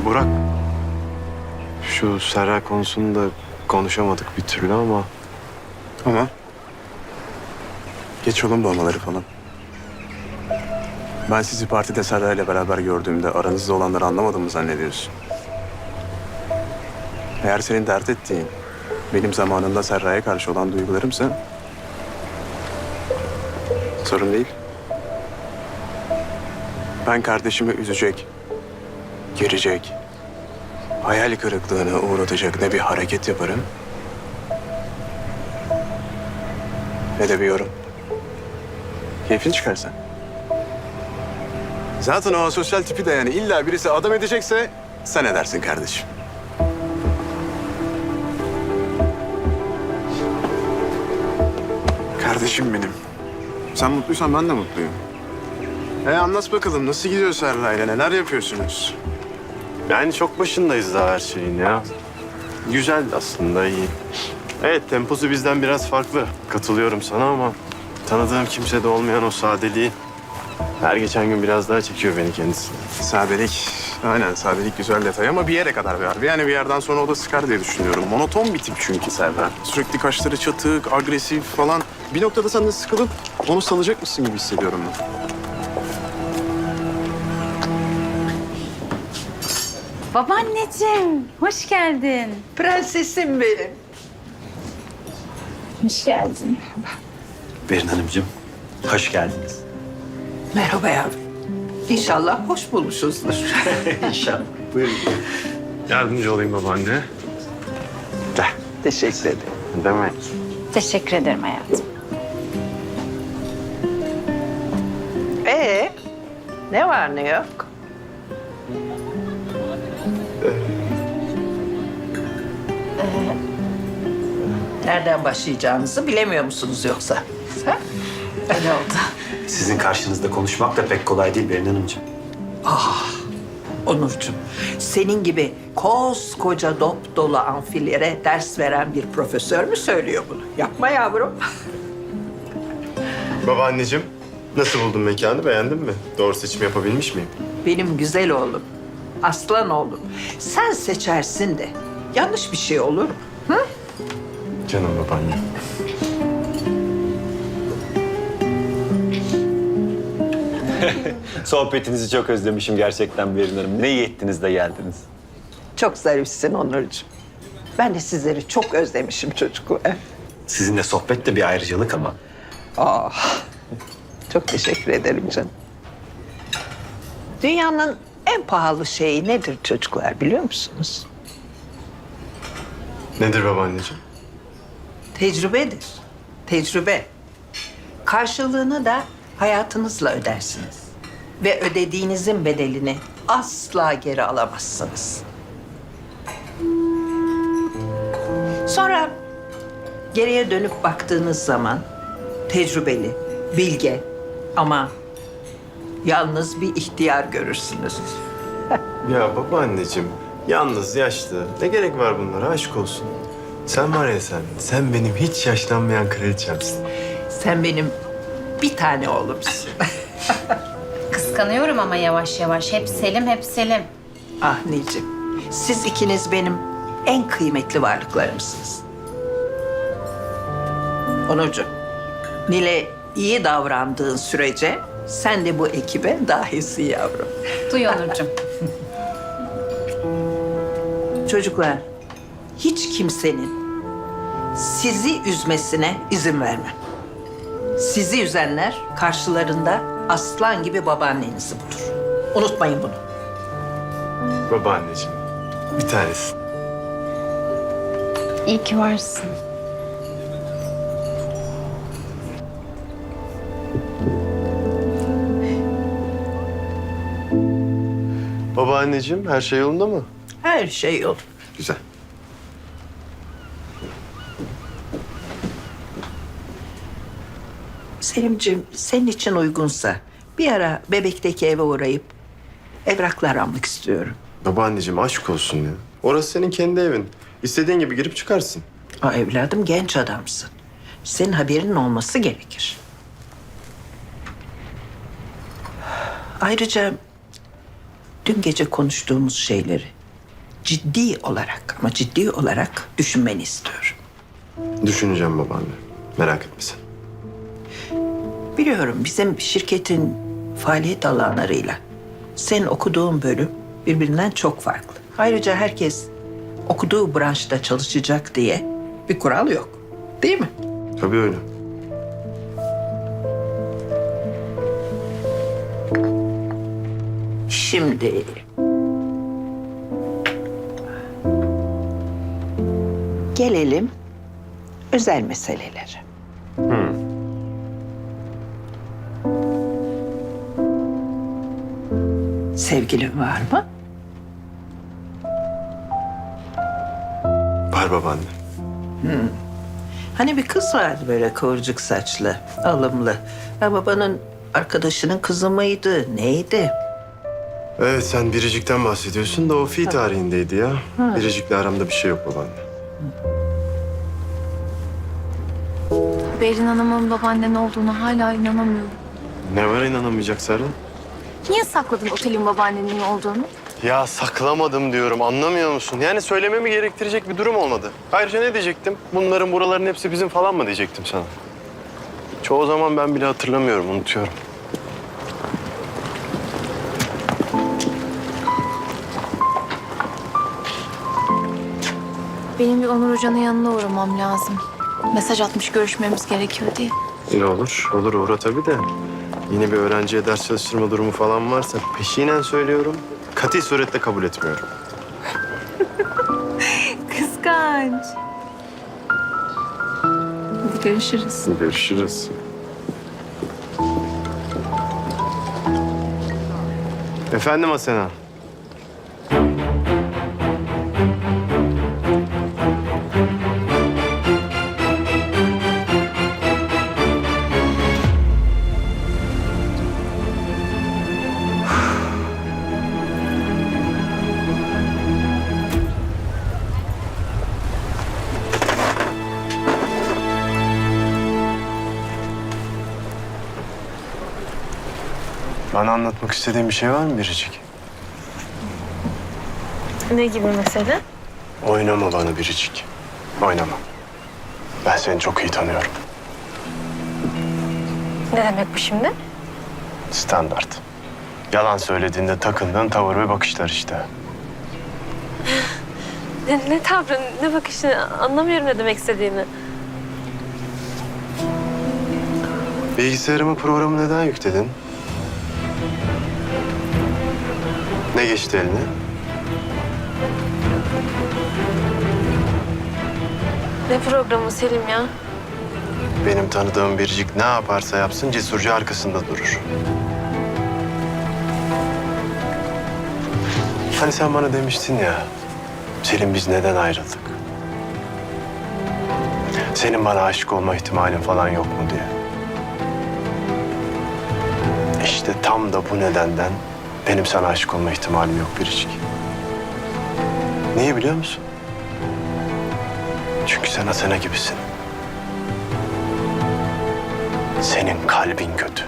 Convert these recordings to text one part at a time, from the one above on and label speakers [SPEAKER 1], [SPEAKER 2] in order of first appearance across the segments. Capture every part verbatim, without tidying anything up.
[SPEAKER 1] Burak, şu Serra konusunda konuşamadık bir türlü ama...
[SPEAKER 2] Ama geç olun dolmaları falan. Ben sizi partide Serra ile beraber gördüğümde aranızda olanları anlamadım mı zannediyorsun? Eğer senin dert ettiğin benim zamanında Serra'ya karşı olan duygularımsa sorun değil. Ben kardeşimi üzecek, girecek, hayal kırıklığına uğratacak ne bir hareket yaparım ne de bir yorum. Keyfini çıkarsan. Zaten o asosyal tipi de yani illa birisi adam edecekse sen edersin kardeşim. Kardeşim benim. Sen mutluysan ben de mutluyum. E anlat bakalım nasıl gidiyor Serra'yla, neler yapıyorsunuz?
[SPEAKER 1] Yani çok başındayız daha her şeyin ya. Güzel aslında, iyi. Evet, temposu bizden biraz farklı. Katılıyorum sana ama tanıdığım kimsede olmayan o sadeliği her geçen gün biraz daha çekiyor beni kendisi.
[SPEAKER 2] Sadelik, aynen sadelik güzel detay ama bir yere kadar var. Yani bir yerden sonra o da sıkar diye düşünüyorum. Monoton bir tip çünkü Serra. Sürekli kaşları çatık, agresif falan. Bir noktada sen de sıkılıp onu salacak mısın gibi hissediyorum ben.
[SPEAKER 3] Babaanneciğim, hoş geldin.
[SPEAKER 4] Prensesim benim.
[SPEAKER 3] Hoş geldin.
[SPEAKER 5] Berin Hanımcığım, hoş geldiniz.
[SPEAKER 4] Merhaba yavrum. İnşallah hoş bulmuşuzdur.
[SPEAKER 5] İnşallah. Buyurun.
[SPEAKER 1] Yardımcı olayım babaanne. Gel.
[SPEAKER 4] Teşekkür ederim.
[SPEAKER 1] Demek.
[SPEAKER 3] Teşekkür ederim hayatım.
[SPEAKER 4] Ee, ne var ne yok? Nereden başlayacağınızı bilemiyor musunuz yoksa? Ha?
[SPEAKER 3] Öyle oldu.
[SPEAKER 5] Sizin karşınızda konuşmak da pek kolay değil Berin Hanımcığım.
[SPEAKER 4] Onurcuğum, senin gibi koskoca dop dolu amfilere ders veren bir profesör mü söylüyor bunu? Yapma yavrum.
[SPEAKER 1] Babaanneciğim, nasıl buldun mekanı? Beğendin mi? Doğru seçim yapabilmiş miyim?
[SPEAKER 4] Benim güzel oğlum, aslan oğlum. Sen seçersin de yanlış bir şey olur mu? Hı?
[SPEAKER 1] Canım babaanne.
[SPEAKER 5] Sohbetinizi çok özlemişim gerçekten Berin Hanım. Ne iyi ettiniz de geldiniz.
[SPEAKER 4] Çok zarifsin Onurcuğum. Ben de sizleri çok özlemişim çocuklar.
[SPEAKER 5] Sizinle sohbet de bir ayrıcalık ama.
[SPEAKER 4] Aa, çok teşekkür ederim canım. Dünyanın en pahalı şeyi nedir çocuklar biliyor musunuz?
[SPEAKER 1] Nedir babaanneciğim?
[SPEAKER 4] Tecrübedir. Tecrübe. Karşılığını da hayatınızla ödersiniz. Ve ödediğinizin bedelini asla geri alamazsınız. Sonra geriye dönüp baktığınız zaman tecrübeli, bilge ama yalnız bir ihtiyar görürsünüz.
[SPEAKER 1] Ya babaanneciğim, yalnız, yaşlı. Ne gerek var bunlara? Aşk olsun. Sen var ya sen, sen benim hiç yaşlanmayan kraliçemsin.
[SPEAKER 4] Sen benim bir tane oğlumsun.
[SPEAKER 3] Kıskanıyorum ama yavaş yavaş. Hep Selim, hep Selim.
[SPEAKER 4] Ah Nicim, siz ikiniz benim en kıymetli varlıklarımsınız. Onurcuğum, Nil'e iyi davrandığın sürece sen de bu ekibe dahilsin yavrum.
[SPEAKER 3] Duy Onurcuğum.
[SPEAKER 4] Çocuklar, hiç kimsenin sizi üzmesine izin vermem. Sizi üzenler karşılarında aslan gibi babaannenizi bulur. Unutmayın bunu.
[SPEAKER 1] Babaanneciğim, bir tanesin.
[SPEAKER 3] İyi ki varsın.
[SPEAKER 1] Babaanneciğim, her şey yolunda mı?
[SPEAKER 4] Her şey olur.
[SPEAKER 1] Güzel.
[SPEAKER 4] Selimciğim, senin için uygunsa bir ara bebekteki eve uğrayıp evraklar almak istiyorum.
[SPEAKER 1] Babaanneciğim, aşk olsun ya. Orası senin kendi evin. İstediğin gibi girip çıkarsın.
[SPEAKER 4] Aa, evladım genç adamsın. Senin haberinin olması gerekir. Ayrıca dün gece konuştuğumuz şeyleri ciddi olarak ama ciddi olarak düşünmeni istiyorum.
[SPEAKER 1] Düşüneceğim babaanne. Merak etme sen.
[SPEAKER 4] Biliyorum bizim şirketin faaliyet alanlarıyla senin okuduğun bölüm birbirinden çok farklı. Ayrıca herkes okuduğu branşta çalışacak diye bir kural yok. Değil mi?
[SPEAKER 1] Tabii öyle.
[SPEAKER 4] Şimdi gelelim özel meselelere. Sevgilin var mı?
[SPEAKER 1] Var babaanne.
[SPEAKER 4] Hani bir kız vardı böyle kıvırcık saçlı, alımlı. Ya babanın arkadaşının kızı mıydı, neydi?
[SPEAKER 1] Evet sen Biricik'ten bahsediyorsun da o fi tarihindeydi ya. Biricik'le aramda bir şey yok babaanne.
[SPEAKER 6] Berin Hanım'ın babaannen olduğunu hala inanamıyorum.
[SPEAKER 1] Ne var inanamayacak Serra?
[SPEAKER 6] Niye sakladın otelin babaannenin olduğunu?
[SPEAKER 1] Ya saklamadım diyorum anlamıyor musun? Yani söylememi gerektirecek bir durum olmadı. Ayrıca ne diyecektim? Bunların buraların hepsi bizim falan mı diyecektim sana? Çoğu zaman ben bile hatırlamıyorum, unutuyorum.
[SPEAKER 6] Benim bir Onur Hoca'nın yanına uğramam lazım. Mesaj atmış görüşmemiz gerekiyor diye.
[SPEAKER 1] İyi olur, olur uğra tabii de. Yine bir öğrenciye ders çalıştırma durumu falan varsa peşinen söylüyorum. Kati suretle kabul etmiyorum.
[SPEAKER 6] Kıskanç. Hadi görüşürüz.
[SPEAKER 1] Görüşürüz. Efendim Asena. Bana anlatmak istediğin bir şey var mı Biricik?
[SPEAKER 6] Ne gibi mesele?
[SPEAKER 1] Oynama bana Biricik. Oynama. Ben seni çok iyi tanıyorum.
[SPEAKER 6] Ne demek bu şimdi?
[SPEAKER 1] Standart. Yalan söylediğinde takındığın tavır ve bakışlar işte.
[SPEAKER 7] Ne, ne tavrı, ne bakışı anlamıyorum ne demek istediğini.
[SPEAKER 1] Bilgisayarıma programı neden yükledin? Ne geçti eline?
[SPEAKER 7] Ne programı Selim ya?
[SPEAKER 1] Benim tanıdığım Biricik ne yaparsa yapsın cesurca arkasında durur. Hani sen bana demiştin ya, Selim biz neden ayrıldık? Senin bana aşık olma ihtimalin falan yok mu diye. İşte tam da bu nedenden benim sana aşık olma ihtimalim yok Biricik. Niye biliyor musun? Çünkü sen Asena gibisin. Senin kalbin kötü.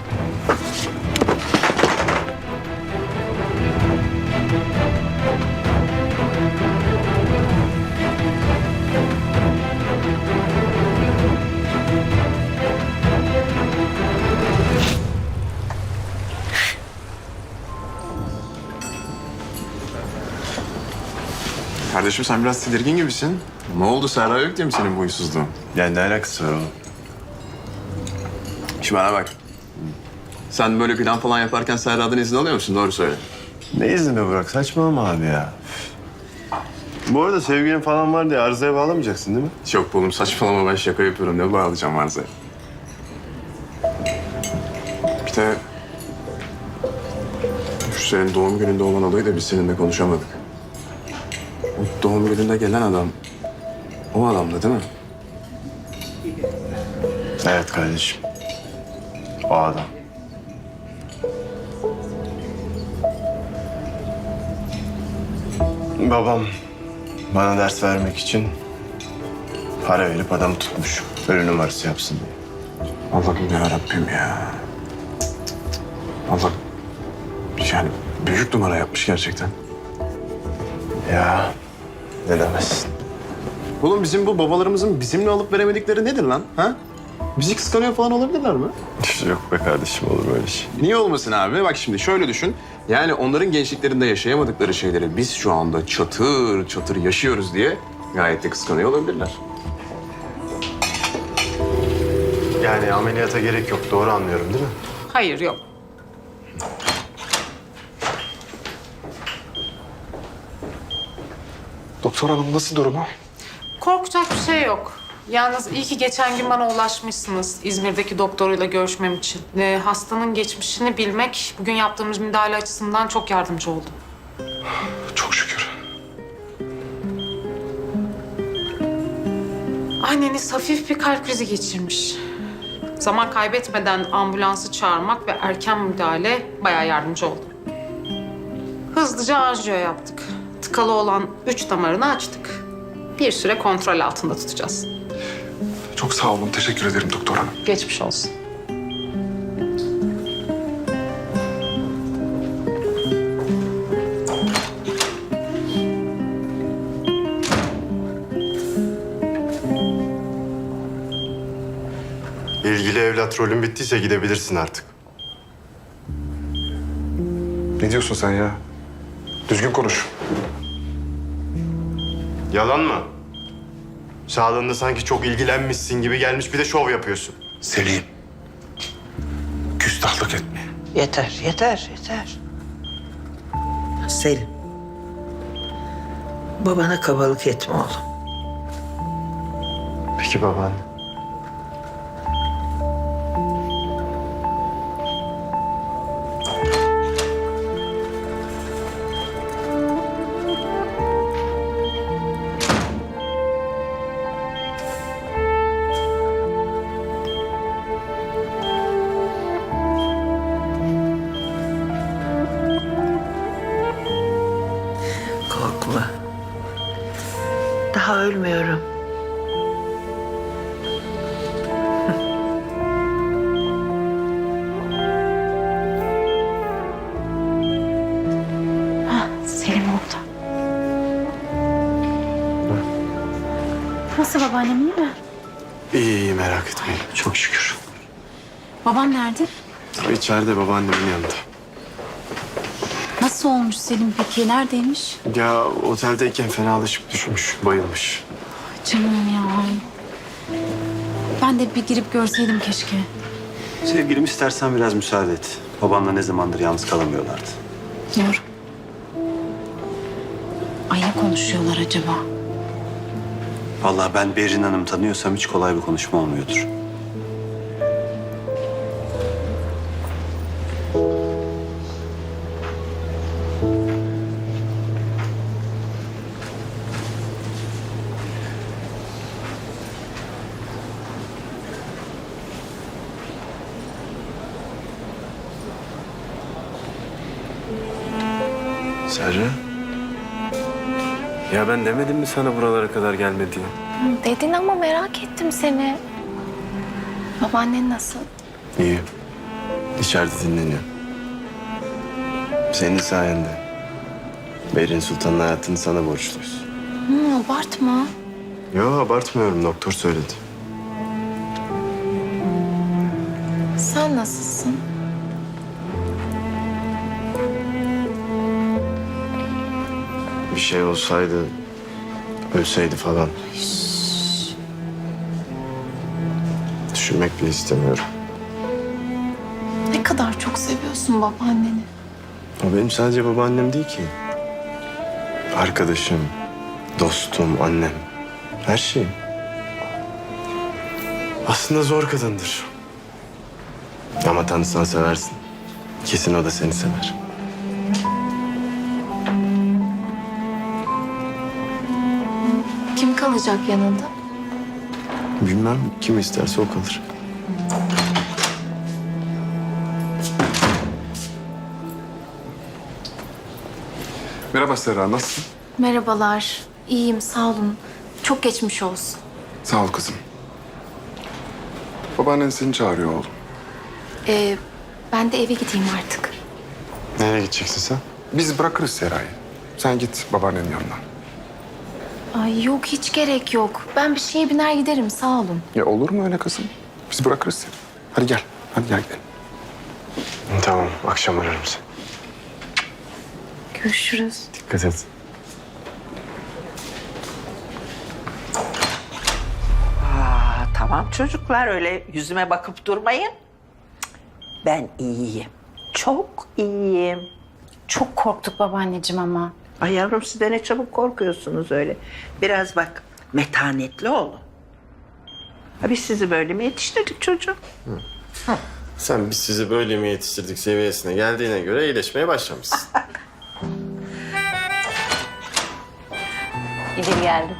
[SPEAKER 2] Kardeşim sen biraz tedirgin gibisin. Ne oldu, Serra yok diye mi senin bu huysuzluğun?
[SPEAKER 1] Yani ne alakası var oğlum?
[SPEAKER 2] Şimdi bana bak. Sen böyle plan falan yaparken Serra'dan izin alıyor musun? Doğru söyle.
[SPEAKER 1] Ne izni be Burak? Saçmalama abi ya. Bu arada sevgilin falan var diye arızaya bağlamayacaksın değil mi?
[SPEAKER 2] Yok oğlum, saçmalama, ben şaka yapıyorum. Ne bağlayacağım varsa. Bir de şu senin doğum gününde olan olayı da biz seninle konuşamadık. O doğum gününde gelen adam o adamdı değil mi?
[SPEAKER 1] Evet kardeşim. O adam. Babam bana ders vermek için para verip adamı tutmuş. Ölü numarası yapsın diye.
[SPEAKER 2] Allah'ım yarabbim ya. Allah, yani büyük numara yapmış gerçekten.
[SPEAKER 1] Ya ne demezsin.
[SPEAKER 2] Oğlum bizim bu babalarımızın bizimle alıp veremedikleri nedir lan? Ha? Bizi kıskanıyor falan olabilirler mi?
[SPEAKER 1] Yok be kardeşim, olur böyle şey.
[SPEAKER 2] Niye olmasın abi? Bak şimdi şöyle düşün. Yani onların gençliklerinde yaşayamadıkları şeyleri biz şu anda çatır çatır yaşıyoruz diye gayet de kıskanıyor olabilirler.
[SPEAKER 1] Yani ameliyata gerek yok, doğru anlıyorum değil mi?
[SPEAKER 8] Hayır, yok.
[SPEAKER 9] Doktor hanım nasıl durumu?
[SPEAKER 8] Korkacak bir şey yok. Yalnız iyi ki geçen gün bana ulaşmışsınız İzmir'deki doktoruyla görüşmem için. Ee, hastanın geçmişini bilmek bugün yaptığımız müdahale açısından çok yardımcı oldu.
[SPEAKER 9] Çok şükür.
[SPEAKER 8] Anneniz hafif bir kalp krizi geçirmiş. Zaman kaybetmeden ambulansı çağırmak ve erken müdahale bayağı yardımcı oldu. Hızlıca anjiyo yaptık. Tıkalı olan üç damarını açtık. Bir süre kontrol altında tutacağız.
[SPEAKER 9] Çok sağ olun. Teşekkür ederim doktor hanım.
[SPEAKER 8] Geçmiş olsun.
[SPEAKER 1] İlgili evlat rolün bittiyse gidebilirsin artık.
[SPEAKER 9] Ne diyorsun sen ya? Düzgün konuş.
[SPEAKER 1] Yalan mı? Sağlığında sanki çok ilgilenmişsin gibi gelmiş, bir de şov yapıyorsun.
[SPEAKER 9] Selim. Küstahlık etme.
[SPEAKER 4] Yeter, yeter, yeter. Selim. Babana kabalık etme oğlum.
[SPEAKER 1] Peki babaanne.
[SPEAKER 4] Korkma. Daha ölmüyorum.
[SPEAKER 6] Selim orada. Nasıl babaannem, iyi mi?
[SPEAKER 1] İyi iyi, merak etmeyin. Çok şükür.
[SPEAKER 6] Babam nerede?
[SPEAKER 1] İçeride babaannemin yanında.
[SPEAKER 6] Nasıl olmuş Selim peki? Neredeymiş?
[SPEAKER 1] Ya oteldeyken fenalaşıp düşmüş, bayılmış.
[SPEAKER 6] Canım ya. Ben de bir girip görseydim keşke.
[SPEAKER 5] Sevgilim, istersen biraz müsaade et. Babanla ne zamandır yalnız kalamıyorlardı.
[SPEAKER 6] Doğru. Ay ne konuşuyorlar acaba?
[SPEAKER 5] Vallahi ben Berrin Hanım tanıyorsam hiç kolay bir konuşma olmuyordur.
[SPEAKER 1] Serra. Ya ben demedim mi sana buralara kadar gelme diye?
[SPEAKER 6] Dedin ama merak ettim seni. Babaannen nasıl?
[SPEAKER 1] İyi. İçeride dinleniyor. Senin sayende. Berin Sultan'ın hayatını sana borçluyuz.
[SPEAKER 6] Hı, abartma.
[SPEAKER 1] Yo, abartmıyorum. Doktor söyledi.
[SPEAKER 6] Sen nasılsın?
[SPEAKER 1] Bir şey olsaydı, ölseydi falan. Düşünmek bile istemiyorum.
[SPEAKER 6] Ne kadar çok seviyorsun babaanneni.
[SPEAKER 1] O benim sadece babaannem değil ki. Arkadaşım, dostum, annem. Her şeyim. Aslında zor kadındır. Ama tanısan seversin. Kesin o da seni sever.
[SPEAKER 6] Kim kalacak yanında?
[SPEAKER 1] Bilmem, kim isterse o kalır.
[SPEAKER 9] Merhaba Serra, nasılsın?
[SPEAKER 6] Merhabalar. İyiyim, sağ olun. Çok geçmiş olsun.
[SPEAKER 9] Sağ ol kızım. Babaannen seni çağırıyor oğlum.
[SPEAKER 6] Ee, ben de eve gideyim artık.
[SPEAKER 1] Nereye gideceksin sen?
[SPEAKER 9] Biz bırakırız Serra'yı. Sen git babaannenin yanına.
[SPEAKER 6] Ay yok hiç gerek yok. Ben bir şeye biner giderim sağ olun.
[SPEAKER 9] Ya olur mu öyle kızım? Biz bırakırız seni. Hadi gel. Hadi gel gidelim.
[SPEAKER 1] Tamam, akşam ararım seni.
[SPEAKER 6] Görüşürüz.
[SPEAKER 1] Dikkat et.
[SPEAKER 4] Aa, tamam çocuklar öyle yüzüme bakıp durmayın. Ben iyiyim. Çok iyiyim.
[SPEAKER 3] Çok korktuk babaanneciğim ama.
[SPEAKER 4] Ay yavrum siz de ne çabuk korkuyorsunuz öyle. Biraz bak metanetli olun. Ha, biz sizi böyle mi yetiştirdik çocuğum?
[SPEAKER 1] Sen biz sizi böyle mi yetiştirdik seviyesine geldiğine göre iyileşmeye başlamışsın.
[SPEAKER 3] İdil geldi.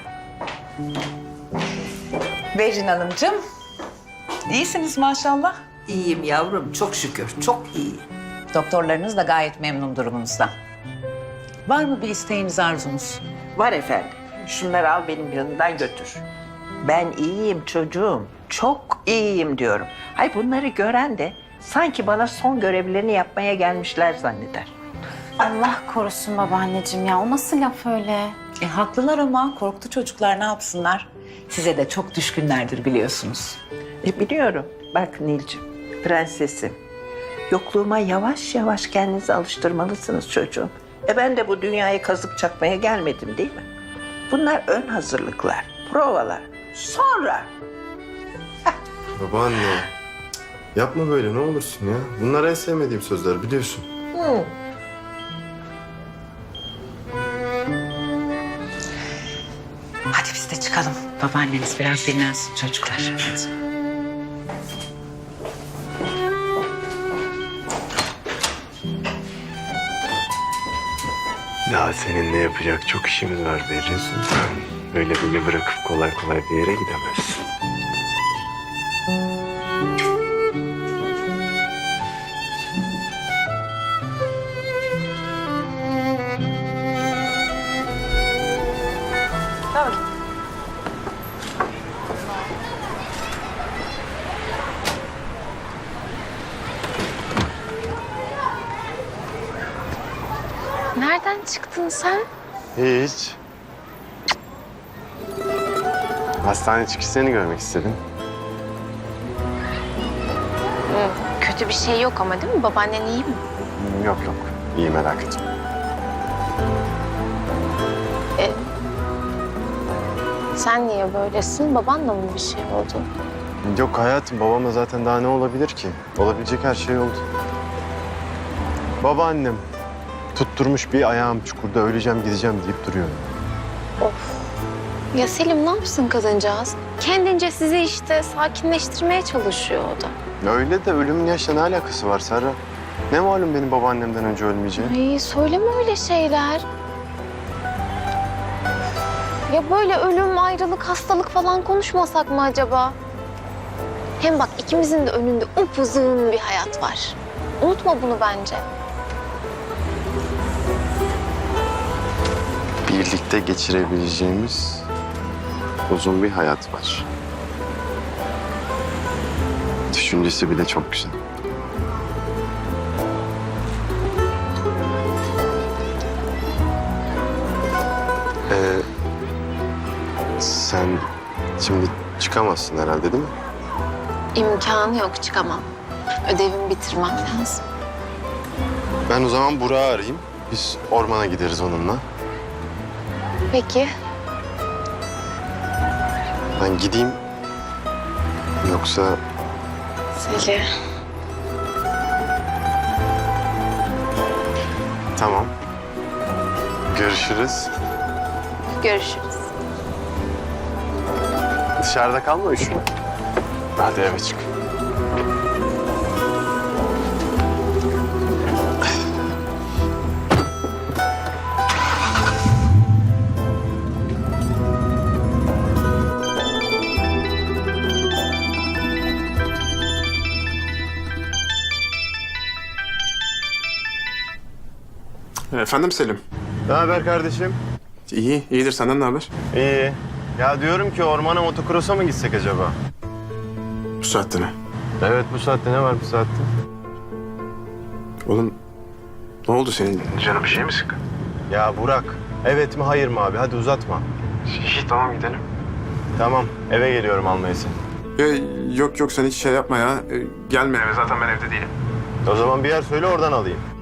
[SPEAKER 10] Berin Hanımcığım, iyisiniz maşallah.
[SPEAKER 4] İyiyim yavrum çok şükür çok iyiyim.
[SPEAKER 10] Doktorlarınız da gayet memnun durumunuzdan. Var mı bir isteğiniz, arzunuz?
[SPEAKER 4] Var efendim. Şunları al benim yanımdan götür. Ben iyiyim çocuğum. Çok iyiyim diyorum. Hay bunları gören de sanki bana son görevlerini yapmaya gelmişler zanneder.
[SPEAKER 3] Allah korusun babaanneciğim ya. O nasıl laf öyle?
[SPEAKER 10] E haklılar ama korktu çocuklar, ne yapsınlar? Size de çok düşkünlerdir biliyorsunuz.
[SPEAKER 4] E, biliyorum. Bak Nilcim, prensesim. Yokluğuma yavaş yavaş kendinizi alıştırmalısınız çocuğum. E ben de bu dünyaya kazık çakmaya gelmedim değil mi? Bunlar ön hazırlıklar, provalar. Sonra
[SPEAKER 1] Babaanne, yapma böyle ne olursun ya. Bunlar en sevmediğim sözler biliyorsun.
[SPEAKER 10] Hadi biz de çıkalım. Babaanneniz biraz dinlensin çocuklar. Hadi.
[SPEAKER 1] Daha seninle yapacak çok işimiz var Berrin Sultan. Öyle beni bırakıp kolay kolay bir yere gidemezsin.
[SPEAKER 6] Nereden çıktın sen?
[SPEAKER 1] Hiç. Hastane çıkışı seni görmek istedim.
[SPEAKER 6] Kötü bir şey yok ama değil mi? Babaannen iyi mi?
[SPEAKER 1] Yok yok, iyi merak etme.
[SPEAKER 6] E, sen niye böylesin? Babanla mı bir şey oldu?
[SPEAKER 1] Yok hayatım, babamla zaten daha ne olabilir ki? Olabilecek her şey oldu. Babaannem tutturmuş bir ayağım çukurda öleceğim gideceğim deyip duruyor.
[SPEAKER 6] Ya Selim ne yapsın kadıncağız? Kendince sizi işte sakinleştirmeye çalışıyor o da.
[SPEAKER 1] Öyle de ölümün yaşla ne alakası var Serra? Ne malum benim babaannemden önce ölmeyeceğim?
[SPEAKER 6] Ay söyleme öyle şeyler. Ya böyle ölüm, ayrılık, hastalık falan konuşmasak mı acaba? Hem bak ikimizin de önünde upuzun bir hayat var. Unutma bunu bence.
[SPEAKER 1] Birlikte geçirebileceğimiz uzun bir hayat var. Düşüncesi bile çok güzel. Ee, sen şimdi çıkamazsın herhalde değil mi?
[SPEAKER 6] İmkanı yok çıkamam. Ödevimi bitirmem lazım.
[SPEAKER 1] Ben o zaman Burak'ı arayayım. Biz ormana gideriz onunla.
[SPEAKER 6] Peki.
[SPEAKER 1] Ben gideyim. Yoksa
[SPEAKER 6] Selim.
[SPEAKER 1] tamam. Görüşürüz.
[SPEAKER 6] Görüşürüz.
[SPEAKER 1] Dışarıda kalma üşüme. Hadi eve çık.
[SPEAKER 2] Efendim Selim.
[SPEAKER 1] Ne haber kardeşim?
[SPEAKER 2] İyi, iyidir. Senden ne haber?
[SPEAKER 1] İyi. Ya diyorum ki ormana motokrosa mı gitsek acaba?
[SPEAKER 2] Bu saatte ne?
[SPEAKER 1] Evet bu saatte ne var bu saatte?
[SPEAKER 2] Oğlum, ne oldu senin? Canın bir şey mi sıkkın?
[SPEAKER 1] Ya Burak, evet mi hayır mı abi? Hadi uzatma.
[SPEAKER 2] İyi tamam gidelim.
[SPEAKER 1] Tamam, eve geliyorum almaya seni.
[SPEAKER 2] Ya, yok yok sen hiç şey yapma ya. Ee, gelme eve zaten ben evde değilim.
[SPEAKER 1] O zaman bir yer söyle oradan alayım.